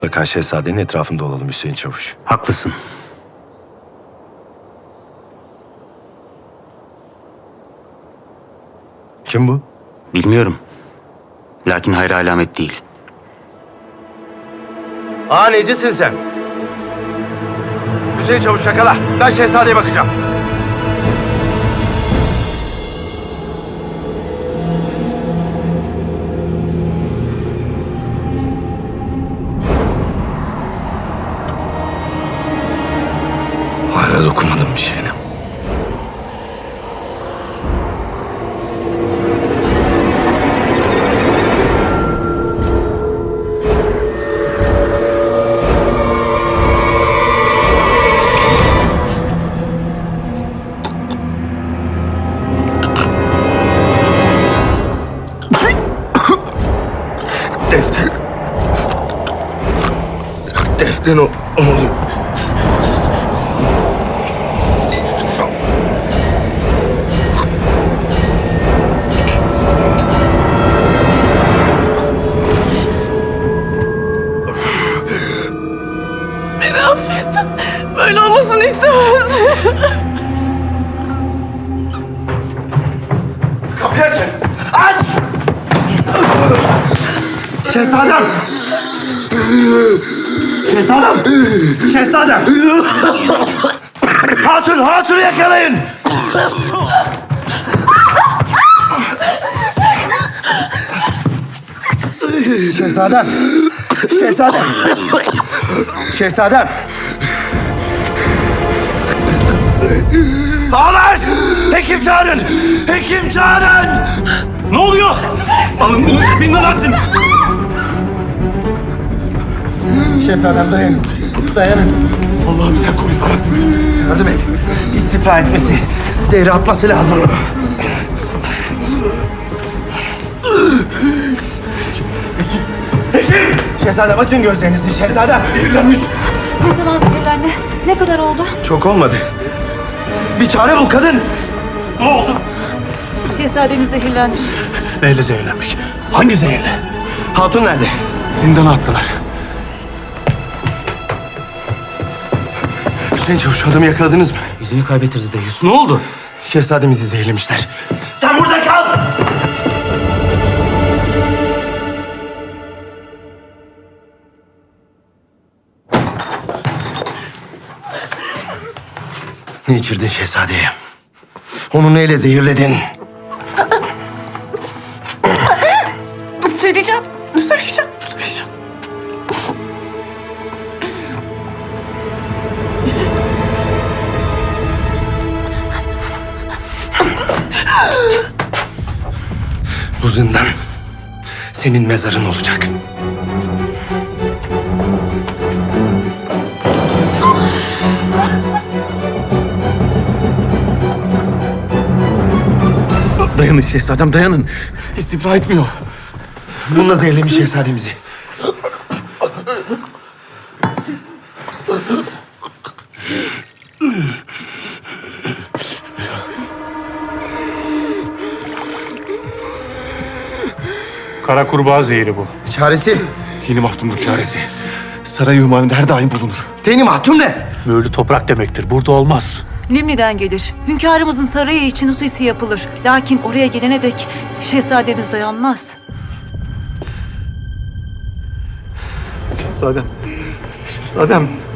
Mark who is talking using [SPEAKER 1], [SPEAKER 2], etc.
[SPEAKER 1] Mutlaka şehzadenin etrafında olalım Hüseyin Çavuş.
[SPEAKER 2] Haklısın.
[SPEAKER 1] Kim bu?
[SPEAKER 2] Bilmiyorum. Lakin hayra alamet değil.
[SPEAKER 1] Necisin sen? Hüseyin Çavuş yakala. Ben şehzadeye bakacağım. Hala dokunmadım bir şeyine. Defne ne oldu?
[SPEAKER 3] Beni affet. Böyle olmasını istemezdim.
[SPEAKER 1] Kapıyı açın! Aç! Şehzadem! Şehzadem! Şehzadem! Hatunu yakalayın! Şehzadem! Şehzadem! Şehzadem! Ağlar! Hekim çağırın! Hekim çağırın!
[SPEAKER 4] Ne oluyor? Alın bunu zindan atın.
[SPEAKER 1] Şehzadem dayanın. Dayanın.
[SPEAKER 4] Allah'ım sen koru yarabbim.
[SPEAKER 1] Yardım et. İstifra etmesi, zehri atması lazım.
[SPEAKER 4] Hekim!
[SPEAKER 1] Şehzadem açın gözlerinizi. Şehzadem.
[SPEAKER 4] Zehirlenmiş.
[SPEAKER 3] Ne zaman zehirlendi? Ne kadar oldu?
[SPEAKER 1] Çok olmadı. Bir çare bul kadın.
[SPEAKER 4] Ne oldu?
[SPEAKER 3] Şehzademiz zehirlenmiş.
[SPEAKER 4] Neyle zehirlenmiş? Hangi zehirle?
[SPEAKER 1] Hatun nerede?
[SPEAKER 4] Zindana attılar.
[SPEAKER 1] Hüseyin Çavuş adamı yakaladınız mı?
[SPEAKER 2] Yüzünü kaybettirdi Deyus. Ne oldu?
[SPEAKER 1] Şehzademizi zehirlemişler. Sen burada kal! Ne içirdin şehzadeye? Onu neyle zehirledin?
[SPEAKER 3] Söyleyeceğim.
[SPEAKER 1] Bu zindan senin mezarın olacak.
[SPEAKER 4] Dayanın şehzadem dayanın. İstifra etmiyor.
[SPEAKER 1] Bununla zehirlemiş şehzademizi.
[SPEAKER 4] Kara kurbağa zehri bu.
[SPEAKER 1] Çaresi?
[SPEAKER 4] Tini mahtumdur çaresi. Saray-ı Hümayun'da her daim bulunur.
[SPEAKER 1] Teni mahtum ne?
[SPEAKER 4] Mühürlü toprak demektir. Burada olmaz.
[SPEAKER 3] Limni'den gelir. Hünkârımızın sarayı için hususi yapılır. Lakin oraya gelene dek şehzademiz dayanmaz.
[SPEAKER 4] Şehzadem. Şehzadem.